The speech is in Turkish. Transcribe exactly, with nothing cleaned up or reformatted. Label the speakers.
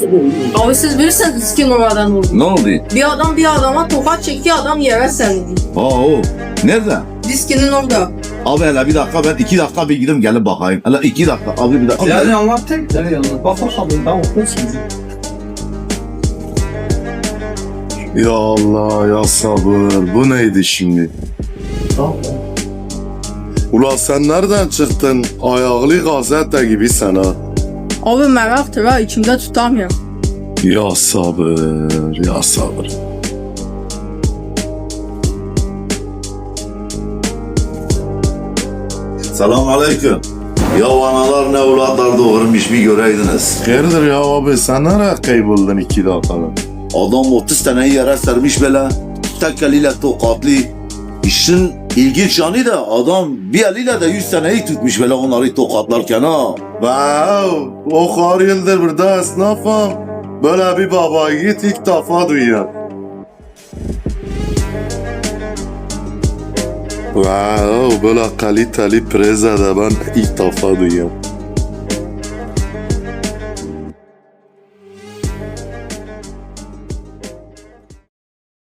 Speaker 1: Abi siz bilirsiniz diskin oradan oldu.
Speaker 2: Ne oldu?
Speaker 1: Bir adam bir adama tokat çekiyor, adam yere serildi.
Speaker 2: Aa o. Nerede?
Speaker 1: Diskinin orada.
Speaker 2: Abi hele bir dakika, ben iki dakika bir gidip gelip bakayım. Hele iki dakika abi, bir dakika.
Speaker 3: Yani anlat tek de yani. Bak bakalım ben okursun.
Speaker 4: Ya Allah ya sabır. Bu neydi şimdi?
Speaker 3: Tamam.
Speaker 4: Ula sen nereden çıktın? Ayaklı gazete gibi sana.
Speaker 1: Abi meraktır ha, içimde tutamıyorum.
Speaker 4: Ya sabır, ya sabır.
Speaker 2: Selam aleyküm. Ya analar ne evlatlar doğurmuş bir göreydiniz.
Speaker 4: Hayırdır ya abi, sen nereye kayboldun iki dakikada?
Speaker 2: Adam otuz taneyi yere sermiş böyle. Tek eliyle tokatlı. İşin ilginç yanı da adam bir eliyle de yüz taneyi tutmuş böyle onları tokatlarken ha.
Speaker 4: Wow, o kadar yıldır burada esnafım. Böyle bir baba yiğit ilk defa duyuyor. Wow, böyle kaliteli prezede ben ilk defa duyuyorum.